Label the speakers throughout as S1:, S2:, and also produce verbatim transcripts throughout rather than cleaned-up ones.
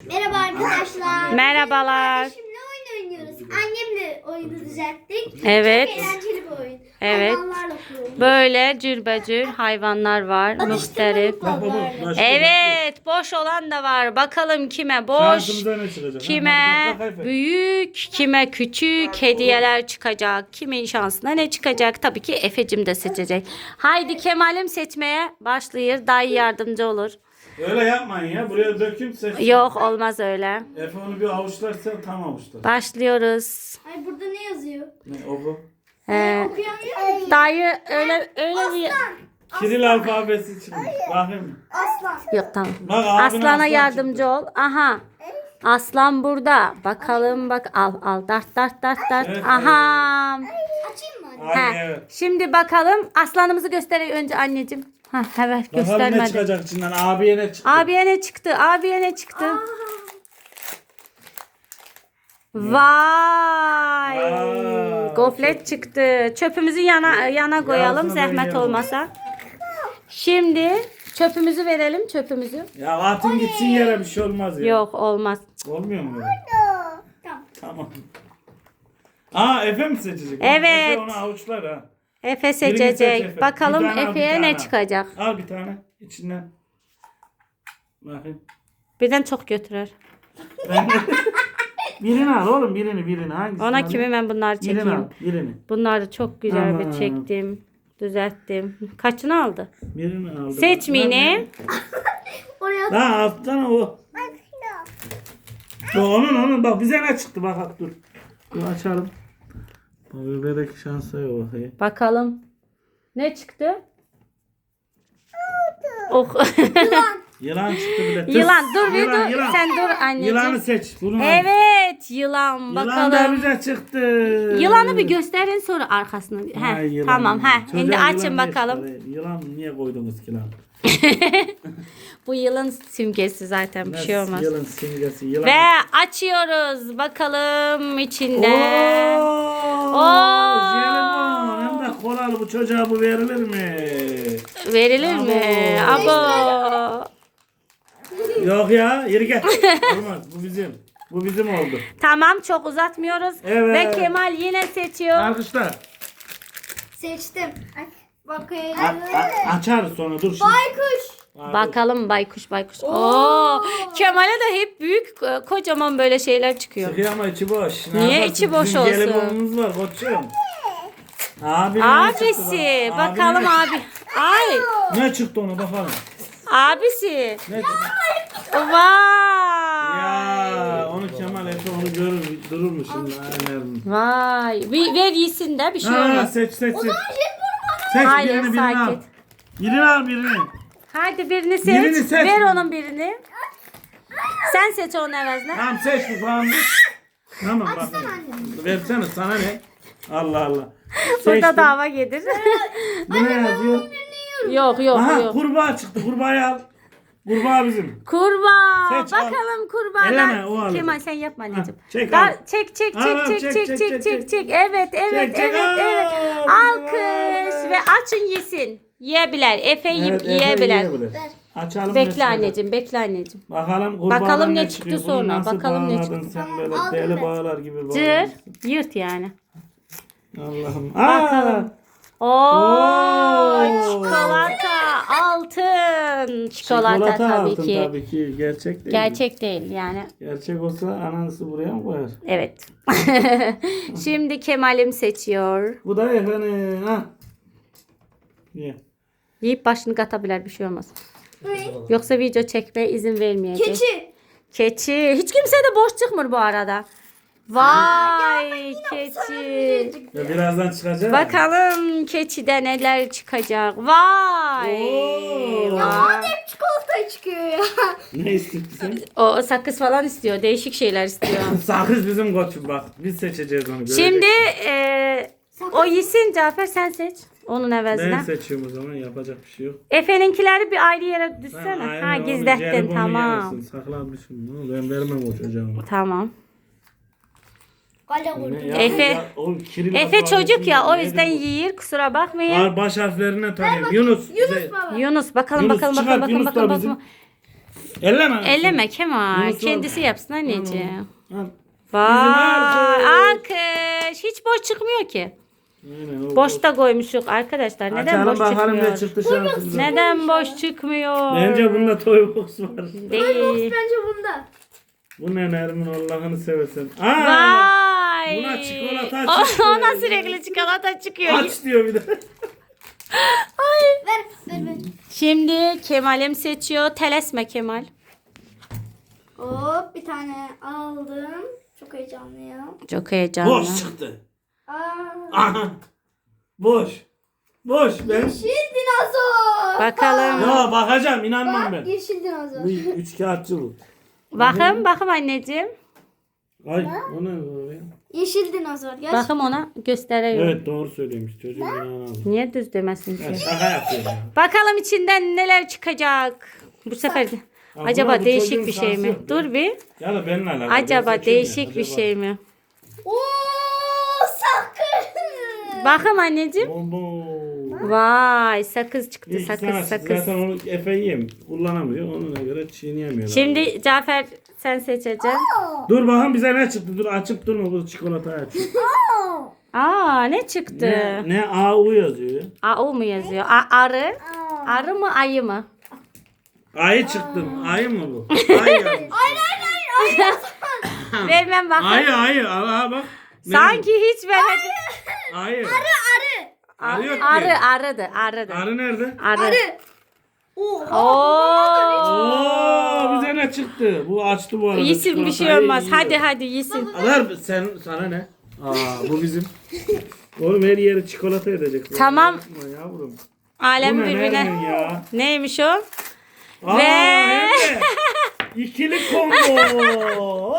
S1: Merhaba arkadaşlar.
S2: Merhabalar.
S1: Şimdi oyun oynuyoruz. Annemle oyunu düzelttik.
S2: Evet.
S1: Çok eğlenceli bir oyun.
S2: Evet.
S1: Hayvanlarla kuruyoruz.
S2: Böyle cürbecür hayvanlar var. Muhtelif.
S1: Bak baba.
S2: Evet. Boş olan da var. Bakalım kime boş,
S3: Şansımıza ne çıkacak?
S2: kime
S3: Bak, bak, bak, bak.
S2: büyük, kime küçük hediyeler çıkacak. Kimin şansına ne çıkacak? Tabii ki Efe'cim de seçecek. Haydi Kemal'im seçmeye başlıyor. Dayı yardımcı olur.
S3: Öyle yapmayın ya. Buraya dökün ses.
S2: Yok olmaz öyle.
S3: Efe onu bir avuçlarsa tam avuçlar.
S2: Başlıyoruz.
S1: Ay burada ne yazıyor?
S3: Ne o bu?
S2: Ee,
S1: Okuyamıyor musun?
S2: dayı öyle öyle bir...
S3: Kiril alfabesi çıkmış. Bakayım.
S1: Aslan.
S2: Yok tamam.
S3: Bak, abine
S2: Aslana
S3: aslan
S2: yardımcı
S3: çıktı.
S2: ol. Aha. Aslan burada. Bakalım bak al al dart dart dart dart.
S3: Evet,
S2: Aha.
S1: Açayım mı anne?
S3: Aynen
S2: He.
S3: evet.
S2: Şimdi bakalım aslanımızı göster önce anneciğim. Ha evet
S3: Bakalım ne
S2: göstermedi.
S3: çıkacak içinden. Abiye ne çıktı?
S2: Abiye ne çıktı? Abiye ne çıktı? Vay.
S3: Aa,
S2: Goflet çıktı. Çöpümüzü yana yana koyalım
S3: altına
S2: zahmet
S3: koyalım.
S2: olmasa. Şimdi çöpümüzü verelim çöpümüzü.
S3: Ya atın gitsin yere bir şey olmaz ya.
S2: Yok olmaz.
S3: Olmuyor mu böyle?
S1: Tamam.
S3: Tamam. Aa Efe mi seçecek?
S2: Evet.
S3: Efe onu avuçlar ha.
S2: Efe
S3: Birini seç
S2: seçecek.
S3: Efe.
S2: Bakalım
S3: Bir tane al, bir
S2: Efe'ye
S3: tane
S2: ne
S3: al.
S2: çıkacak.
S3: Al bir tane içinden. Bakayım.
S2: Birden çok götürür.
S3: Ben... birini al oğlum birini birini. Hangisi?
S2: Ona kimi ben bunları
S3: Birini al
S2: çekeyim.
S3: birini.
S2: Bunları çok güzel bir
S3: Aman.
S2: çektim. Düzelttim. Kaçını aldı?
S3: Birini aldım.
S2: Seç Mini.
S1: Oraya
S3: Daha alttan o. O onun onun bak bize ne çıktı bak bak dur. Dur açalım. Bu bebek şansa yok. bakayım.
S2: Bakalım. Ne çıktı? Oh.
S3: Yılan çıktı bile. Tıs.
S2: Yılan dur bir
S3: Yılan,
S2: dur.
S3: yılan.
S2: Sen dur anneciğim.
S3: Yılanı seç. Bunu al.
S2: Evet yılan.
S3: Yılan da
S2: Bakalım.
S3: bize çıktı.
S2: Yılanı bir gösterin sonra arkasını.
S3: Ay,
S2: Heh,
S3: yılan.
S2: tamam. Heh.
S3: Çocuğa
S2: Şimdi
S3: yılan
S2: açın
S3: ne
S2: bakalım.
S3: çıktı? Yılan niye koydunuz ki lan?
S2: Bu yılın simgesi zaten bir şey
S3: Nasıl
S2: olmaz.
S3: Yılan simgesi. Yılan.
S2: Ve açıyoruz. Bakalım içinde.
S3: Oo,
S2: Oo.
S3: jelibon. Hem de kolalı bu çocuğa bu verilir mi?
S2: Verilir mi?
S3: Abo.
S2: Abo.
S3: Yok ya, yürü gel. Olmaz, bu bizim. Bu bizim oldu.
S2: Tamam çok uzatmıyoruz.
S3: Evet.
S2: Ve Kemal yine seçiyor.
S3: Arkadaşlar,
S1: seçtim. Ay, bakayım.
S3: a- a- açarız sonra dur şimdi.
S1: Baykuş.
S3: Aa, dur.
S2: Bakalım baykuş baykuş. Oo. Kemal'e de hep büyük e, kocaman böyle şeyler çıkıyor.
S3: Çıkıyor ama içi boş. Ne
S2: Niye
S3: yaparsın?
S2: içi boş
S3: Bizim
S2: olsun?
S3: jelibonumuz var koçum. Abi
S2: Abisi. Bakalım abi. Ay.
S3: Ne çıktı ona bakalım.
S2: Abisi.
S3: Ne çıktı?
S2: Vay.
S3: Ya onu Kemal Efe onu görür durur mu şimdi? Aynen.
S2: Vay. Bir, ver yesin de bir şey
S3: Ha,
S2: olmaz.
S3: seç seç seç. Seç
S2: Hayır,
S3: birini birini al.
S2: sakin.
S3: Birini al birini.
S2: Hadi birini seç.
S3: Birini seç.
S2: Ver onun birini. Sen seç onun evezine.
S3: Tamam seç bu falan. Tamam bak.
S1: anne.
S3: Versene sana ne? Allah Allah.
S2: Burada
S3: Seçtim.
S2: dava gelir.
S3: Bu ne yazıyor?
S2: yok yok
S3: Aha
S2: yok.
S3: kurbağa çıktı. Kurbağayı al. Kurbağa bizim.
S2: Kurbağa.
S3: Seç, al.
S2: Bakalım kurbağadan.
S3: Eleme, o alır.
S2: Kemal sen yapma anneciğim.
S3: Ha, çek,
S2: Dar-
S3: al.
S2: çek çek
S3: Al,
S2: çek
S3: al,
S2: çek
S3: çek,
S2: çek
S3: çek,
S2: çek
S3: çek,
S2: çek çek. Evet evet
S3: Çek, çek.
S2: evet
S3: Aa,
S2: evet.
S3: bizim
S2: Alkış
S3: var.
S2: ve açın yesin. Yiyebilir. Efe yiyip
S3: Evet, Efe
S2: yiyebilir.
S3: yiyebilir. Açalım.
S2: Bekle
S3: mesela.
S2: anneciğim bekle anneciğim.
S3: Bakalım kurbağadan
S2: Bakalım ne
S3: ne
S2: çıktı
S3: çıkıyor. Bunu
S2: sonra,
S3: nasıl
S2: bakalım ne
S3: bağladın
S2: çıktı.
S3: sen böyle
S1: Aldım
S3: deli
S1: ben.
S3: bağlar gibi
S2: Cır
S3: bağlamışsın.
S2: yırt yani.
S3: Allah'ım.
S2: Bakalım.
S3: Aa,
S2: Oo,
S3: Oo.
S2: çikolata altın. Çikolata, tabii
S3: altın
S2: ki.
S3: tabii ki. Gerçek değil.
S2: Gerçek değil yani.
S3: Gerçek olsa anansı buraya mı koyar?
S2: Evet. Şimdi Kemal'im seçiyor.
S3: Bu da efendim. Ha. Ye.
S2: Yiyip başını katabilir bir şey olmaz.
S1: Bu ne?
S2: Yoksa video çekmeye izin vermeyecek.
S1: Keçi.
S2: Keçi. Hiç kimse de boş çıkmıyor bu arada. Vay keçi.
S3: Ya birazdan çıkacak.
S2: Bakalım keçide neler çıkacak. Vay.
S3: Oo.
S2: Vay.
S1: Hep çikolata çıkıyor ya.
S3: Ne istiyorsun sen?
S2: O sakız falan istiyor. Değişik şeyler istiyor.
S3: Sakız bizim koçum bak. Biz seçeceğiz onu. göreceksin.
S2: Şimdi e, o yesin Cafer sen seç. Onun
S3: Ben
S2: evezine.
S3: seçiyorum o zaman. Yapacak bir şey yok.
S2: Efe'ninkileri bir ayrı yere
S3: Sen
S2: düşsene.
S3: ayrı
S2: Ha
S3: onu
S2: gizlettin
S3: jelibonu
S2: tamam.
S3: yemesin, Saklamışsın bunu. Ben vermem o çocuğa.
S2: Tamam.
S1: Kale
S3: Ne
S1: vurdum.
S3: ya?
S2: Efe-
S3: Ya, o Kiril
S2: Efe
S3: alfabesini
S2: çocuk ya o
S3: nedir
S2: yüzden
S3: bu?
S2: yiyir kusura bakmayın.
S3: Al baş harflerine tanıyorum. Yunus.
S1: Yunus
S3: bize-
S1: baba.
S2: Yunus bakalım
S3: Yunus
S2: bakalım
S3: çıkart,
S2: bakalım bakalım
S3: Yunus da
S2: bakalım.
S3: bizim.
S2: bakalım.
S3: Elleme.
S2: Elleme Kemal.
S3: Yunus
S2: Kendisi
S3: var.
S2: yapsın anneciğim.
S3: Al.
S2: Vay.
S3: alkış.
S2: Alkış. Hiç boş çıkmıyor ki.
S3: Aynen, o
S2: Boşta koymuşuk arkadaşlar. Neden
S3: Açalım
S2: boş
S3: bakalım ne
S2: çıkmıyor?
S3: çıktı şansımıza.
S2: Neden boş çıkmıyor?
S3: Bence bunda toy box var.
S2: Değil.
S1: Bence bunda.
S3: Bu ne Nermin Allah'ını seversen. Aa!
S2: Vay.
S3: Buna çikolata
S2: O-
S3: çıktı.
S2: Ona sürekli çikolata çıkıyor.
S3: Aç diyor bir de.
S1: Ver. Ver ver.
S2: Şimdi Kemal'im seçiyor. Telesme Kemal.
S1: Hop bir tane aldım. Çok heyecanlıyım.
S2: Çok heyecanlı.
S3: Boş çıktı.
S1: Aa.
S3: Aha. Boş. Boş. Ben...
S1: Yeşil dinozor.
S2: Bakalım.
S3: Ya bakacağım inanmam
S1: Bak
S3: ben.
S1: yeşil dinozor.
S3: Bu üç kağıtçı bu.
S2: Bakın bakın anneciğim.
S3: Ay o ne böyle?
S1: Yeşil dinozor. Gerçekten.
S2: Bakın ona gösteriyor.
S3: Evet doğru söylemiş çocuğum inanamam.
S2: Niye düz demesin
S3: Ya
S2: ki?
S3: şaka yapıyor ya.
S2: Bakalım içinden neler çıkacak. Bu sefer de.
S3: Ya
S2: Acaba
S3: buna bu
S2: değişik
S3: çocuğun
S2: bir şey
S3: şansı
S2: mi?
S3: yok ya.
S2: Dur bir.
S3: Ya da benimle alakalı. Ben
S2: Acaba
S3: seçeyim
S2: değişik
S3: ya,
S2: bir
S3: acaba.
S2: şey mi?
S1: Oo sakın.
S2: Bakın anneciğim.
S3: Obo.
S2: Vay sakız çıktı
S3: İyi ki sana
S2: sakız
S3: çıktı.
S2: sakız.
S3: Zaten onu Efe yiyem. Kullanamıyor. Onuna göre çiğneyemiyor.
S2: Şimdi Cafer sen seçeceksin.
S3: Dur bakalım bize ne çıktı. Dur açıp durma bu çikolatayı aç.
S2: Aa ne çıktı?
S3: ne, ne A U yazıyor.
S2: A U mu yazıyor? A, arı. Arı mı ayı mı?
S3: Ayı çıktı. Ayı mı bu? Ayı yazmış.
S2: Vermem bakın.
S3: Ayı ayı. Aha bak. Ne
S2: Sanki hiç vermedi.
S3: bu? Ayı.
S1: Arı.
S3: Arı yok ki.
S2: Arı arıdı arıdı.
S3: Arı nerede?
S2: Arı.
S1: Arı. Oha.
S2: Oo.
S3: Oo bize ne çıktı? Bu açtı bu arada.
S2: Yesin bir şey
S3: çikolatayı
S2: olmaz.
S3: yiyor.
S2: Hadi hadi yesin.
S3: Alır sen sana ne? Aa bu bizim. Oğlum her yeri çikolata edecek.
S2: Tamam.
S3: Yapma yavrum.
S2: Alem
S3: Bu ne
S2: birbirine.
S3: Nermin ya?
S2: Neymiş o?
S3: Aa,
S2: Ve-
S3: hem de ikili combo.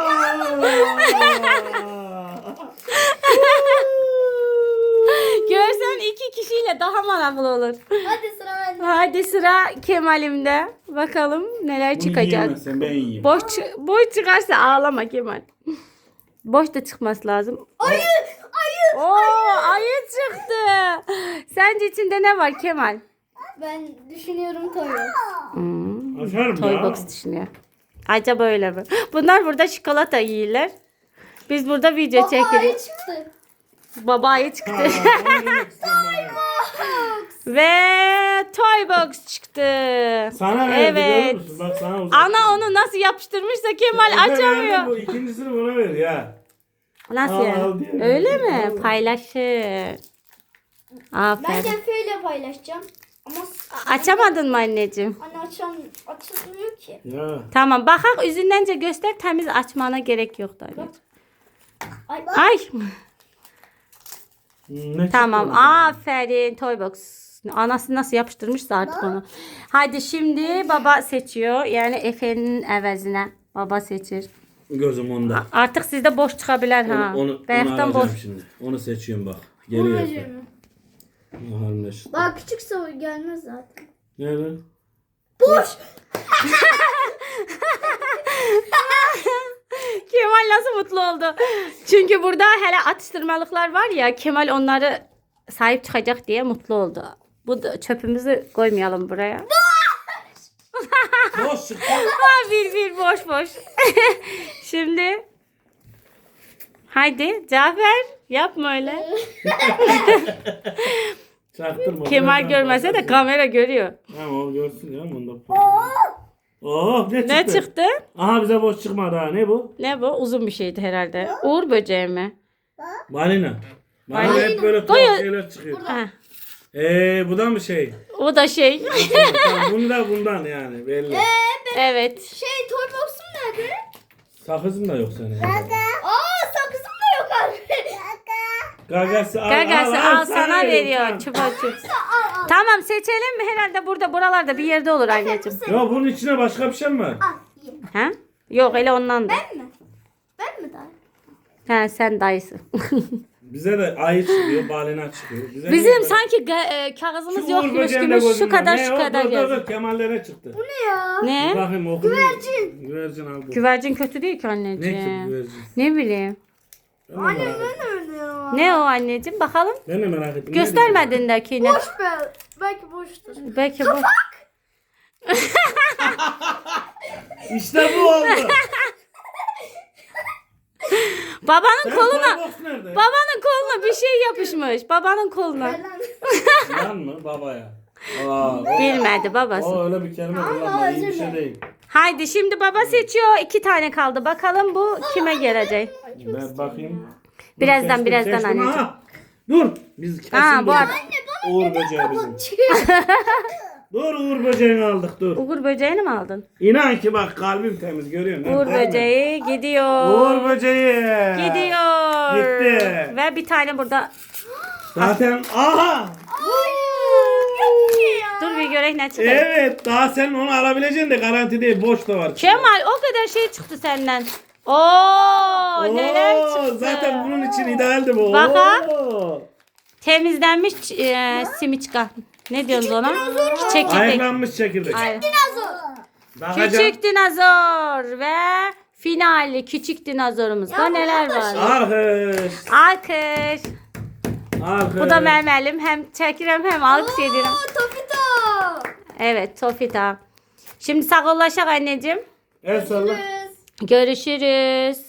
S2: Görsen iki kişiyle daha manavlı olur.
S1: Hadi sıra bende.
S2: Hadi sıra Kemal'imde. Bakalım neler
S3: Bunu
S2: çıkacak.
S3: yiyemezsen ben yiyeyim.
S2: Boş, çı- boş çıkarsa ağlama Kemal. Boş da çıkması lazım.
S1: Ayı. Ayı.
S2: Oo ayı çıktı. Sence içinde ne var Kemal?
S1: Ben düşünüyorum Toyo.
S2: Hmm,
S3: Açarım
S2: toy
S3: ya.
S2: box düşünüyor. Acaba öyle mi? Bunlar burada çikolata yiyorlar. Biz burada video
S1: Baba ayı
S2: çekiyoruz.
S1: çıktı.
S2: Baba ayı çıktı.
S3: Aa, onu yemek istiyorum ben.
S2: Ve toy box çıktı.
S3: Sana verdi
S2: Evet.
S3: görüyor musun? Bak sana uzak.
S2: Ana onu nasıl yapıştırmışsa Kemal
S3: Efe verdi,
S2: açamıyor.
S3: Bu ikincisini buna ver ya.
S2: Nasıl
S3: Al,
S2: yani?
S3: al diyor.
S2: Öyle mi?
S3: Al.
S2: Paylaşır.
S1: Ben
S2: Aferin.
S1: de Efe'yle paylaşacağım. Ama
S2: Açamadın mı anneciğim?
S1: anne açam açılmıyor ki.
S3: Ya.
S2: Tamam bakak yüzündence göster temiz açmana gerek yok da anneciğim.
S1: Ay,
S2: Ay.
S3: Hmm, ne
S2: Tamam
S3: çıktı?
S2: aferin toy box. Anası nasıl yapıştırmışsa artık onu. Hadi şimdi baba seçiyor. Yani Efe'nin evezine baba seçir.
S3: Gözüm onda.
S2: Artık sizde boş çıkabilir ha.
S3: Onu, onu, onu
S2: Beyazdan boş.
S3: alacağım şimdi. Onu seçiyorum bak. Geliyor Efe.
S1: Babacığım.
S3: Bakalım ne çıktı.
S1: Daha küçükse o gelmez zaten.
S3: Nerede?
S1: Boş.
S2: Kemal nasıl mutlu oldu? Çünkü burada hele atıştırmalıklar var ya Kemal onları sahip çıkacak diye mutlu oldu. Bu da çöpümüzü koymayalım buraya.
S3: Boş çıktı.
S2: Ha, bir bir boş boş. Şimdi haydi Cafer yapma öyle.
S3: Çaktırma.
S2: Kemal
S3: Birazdan
S2: görmese de
S3: bakarsın.
S2: kamera görüyor.
S3: Tamam o görsün ya. Bunda. Oh ne çıktı?
S2: Ne çıktı?
S3: Aha bize boş çıkmadı ha. Ne bu?
S2: Ne bu? Uzun bir şeydi herhalde. Uğur böceği mi?
S3: Balina. Balina
S2: Balina.
S3: hep böyle
S2: Doyu-
S3: tuhaf şeyler çıkıyor.
S2: Ha,
S3: Eee bu da mı şey?
S2: o da şey.
S3: Tamam, bunu da bundan yani belli.
S2: Evet.
S1: Şey toy box'um nerede?
S3: Sakızın da yok senin.
S1: Aa sakızım da yok abi.
S3: Gagası al,
S2: Gagası al, sana veriyor.
S3: veriyorum,
S2: Çupa çup.
S1: Al al.
S2: Tamam seçelim mi? Herhalde burada buralarda bir yerde olur anneciğim.
S3: Ya bunun içine başka bir şey mi var?
S1: Al. Ye.
S2: Ha? Yok öyle ondan da.
S1: Ben mi? Ben mi daha?
S2: Ha, sen dayısın.
S3: Bize de ayı çıkıyor, balina çıkıyor. Bize
S2: Bizim
S3: niye böyle-
S2: sanki ga- e, kağızımız
S3: Şu
S2: yokmuş
S3: Uğur böceğinde
S2: gibi
S3: gözüm
S2: şu
S3: var.
S2: kadar
S3: Ne
S2: şu
S3: o?
S2: kadar
S3: Dur, dur,
S2: yazıyor.
S3: dur, Kemal'lere çıktı.
S1: Bu ne ya?
S2: Ne?
S3: Bakayım oku.
S1: Güvercin.
S3: Güvercin al bu.
S2: Güvercin kötü değil ki
S3: Ne ki
S2: anneciğim.
S3: güvercin?
S2: Ne bileyim.
S3: Ben de merak ettim.
S1: Ben öyle ya.
S2: Ne o anneciğim? Bakalım.
S3: Ben de merak ettim. Ne
S2: Göstermedin de ki ne?
S1: Boş be. Belki boştur.
S2: Belki bu.
S3: İşte bu oldu.
S2: Babanın
S3: Sen
S2: koluna
S3: toybox nerede?
S2: babanın koluna bir şey yapışmış. Babanın koluna.
S3: Lan mı babaya? Aa, o,
S2: Bilmedi babası.
S3: o öyle bir kelime kullanma. İyi bir şey değil.
S2: Haydi şimdi baba seçiyor. İki tane kaldı. Bakalım bu kime gelecek?
S3: Ben bakayım.
S2: Birazdan,
S3: Seçtim,
S2: birazdan
S3: seçtim.
S2: anneciğim.
S3: Ha, dur. Biz kesin
S2: Ha, bu
S3: bulduk.
S2: arada-
S3: Uğur böceği bizim. Dur Uğur böceğini aldık dur.
S2: Uğur böceğini mi aldın?
S3: İnan ki bak kalbim temiz görüyor musun?
S2: Uğur
S3: Değil mi?
S2: böceği gidiyor.
S3: Uğur böceği.
S2: Gidiyor.
S3: Gitti.
S2: Ve bir tane burada.
S3: Zaten aha.
S2: Dur bir görek ne çıkıyor.
S3: Evet daha sen onu alabileceksin de garanti değil boş da var.
S2: Kemal o kadar şey çıktı senden. Oo, neler
S3: Oo,
S2: çıktı.
S3: zaten bunun için idealdi bu.
S2: Bak ha.
S3: Oo.
S2: Temizlenmiş e, simiçka. Ne diyorsunuz ona? Çekirdek.
S3: Ayıklanmış çekirdek.
S2: Aynen.
S3: Bakacağım.
S2: Küçük dinozor ve finali küçük dinozorumuzda neler var?
S3: Alkış.
S2: Alkış.
S3: Alkış.
S2: Bu da Mehmet'im. Hem çekirem hem alkış ederim.
S1: Topito.
S2: Evet Tofita. Şimdi sağollaşak anneciğim.
S3: El salla.
S2: Görüşürüz.